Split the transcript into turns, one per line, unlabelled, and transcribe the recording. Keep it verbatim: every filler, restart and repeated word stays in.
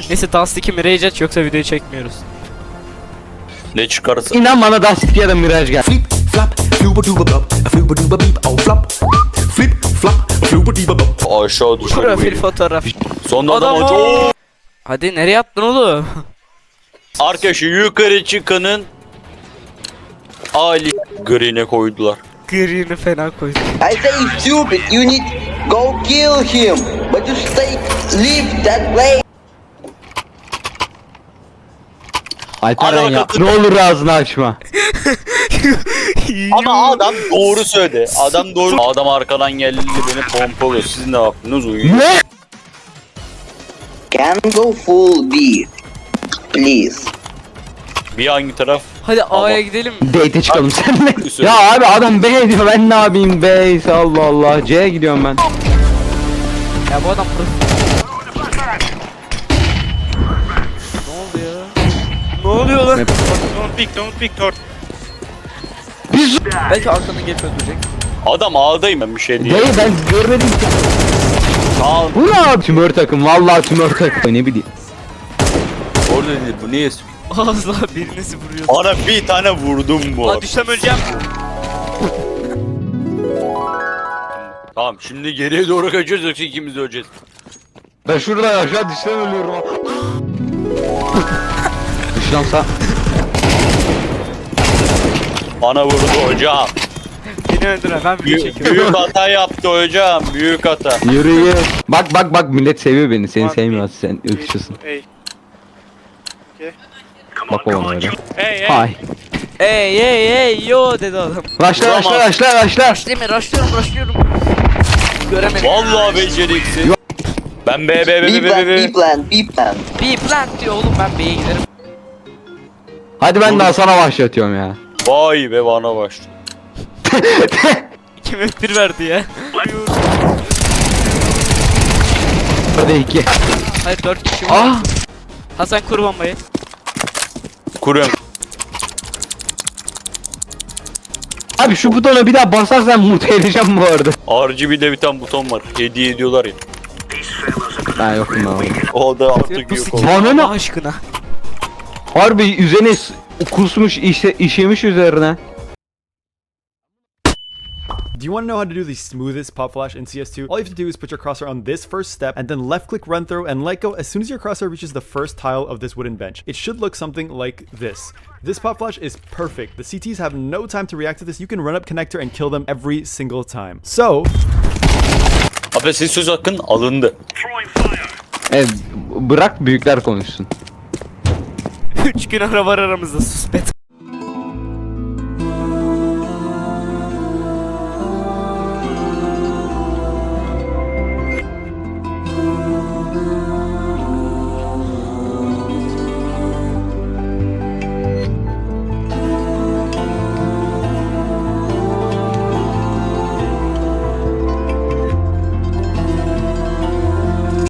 Neyse Dust'taki Mirage aç yoksa videoyu çekmiyoruz.
Ne çıkarsa.
İnan bana Dust ya da Mirage gel.
Flip flop, fluba duba bop, fluba duba beep, oh flop. Flip flop, fluba duba bop.
Aşağı düşüyor.
Profil fotoğraf.
Sonunda adam
Adam
hoca.
o. Hadi nereye attın oğlum?
Arkadaşı yukarı çıkanın Ali green'e koydular.
Green'i fena koydum.
I say it's stupid. You need go kill him, but you stay leave that place.
Alperen ya.
Alakası-
Ne olur ağzını açma.
Ama adam doğru söyledi. Adam doğru. Adam arkadan geldi beni pompalıyor. Siz ne yaptınız? Uyuyun.
Ne?
Can go full B, please.
Bir hangi taraf?
Hadi
Ama-
A'ya gidelim.
Date'e çıkalım seninle.
Üstüne.
Ya abi adam B diyor, ben ne yapayım, B ise Allah Allah. C'ye gidiyorum ben.
Ya bu adam profil. Ne oldu ya? Ne oluyor lan?
Don't pick, don't pick, Thor.
Biz
Belki arkadan gelip öldürecek.
Adam A'dayım ben bir şey diyeyim.
değil, ben görmedim ki.
Aa,
Bu ne abi? Tümör takım, vallahi tümör takım. Ne bileyim.
orada değil bu niye?
Ağzına birinizi vuruyor.
Bana bir tane vurdum bu.
Aa düşsem öleceğim.
Tamam şimdi geriye doğru kaçıyoruz yoksa ikimiz de öleceğiz.
Ben şurada aşağı düşten ölüyorum. Dışlansa.
Bana vurdu hocam.
Beni öldüren ben video
Büyük,
çekiyorum.
büyük hata yaptı hocam. Büyük hata.
Yürü yürü. Bak bak bak, millet seviyor beni. Seni
One
sevmiyor, sen ırkçısın.
Hey.
Bak o öyle.
Hey, hey.
Hay.
Ey ey ey yo dedi adam.
Raşla raşla raşla raşla.
Değil mi? Rushlıyorum rushlıyorum. Göremedim.
Vallahi beceriksiz. Ben B B B
B
B B
plan, B
B.
plan, B plan.
Bir plant diyor oğlum ben B'ye giderim.
Hadi ben daha sana başlatıyorum ya.
Vay be bana başladı.
Kim F bir verdi ya?
Hadi iki.
Hayır dört kişi var.
Ah.
Hasan kur bombayı.
Kuruyorum.
Abi şu butona bir daha basarsan mutlu edeceğim bu arada.
R G B'de bir tane buton var. Hediye ediyorlar ya.
Ben yokum ben orada.
O da artık
Bu
yok
sik-
oldu.
Bana ne?
Allah aşkına.
Harbi üzerine s- kusmuş, işe, işemiş üzerine.
Do you want to know how to do the smoothest pop flash in C S two? All you have to do is put your crosshair on this first step and then left click run through and let go as soon as your crosshair reaches the first tile of this wooden bench. It should look something like this. This pop flash is perfect. The C Ts have no time to react to this. You can run up connector and kill them every single time. So,
Abi siz söz hakkın alındı.
Evet, bırak büyükler konuşsun.
Üç gün ara var aramızda sus bet.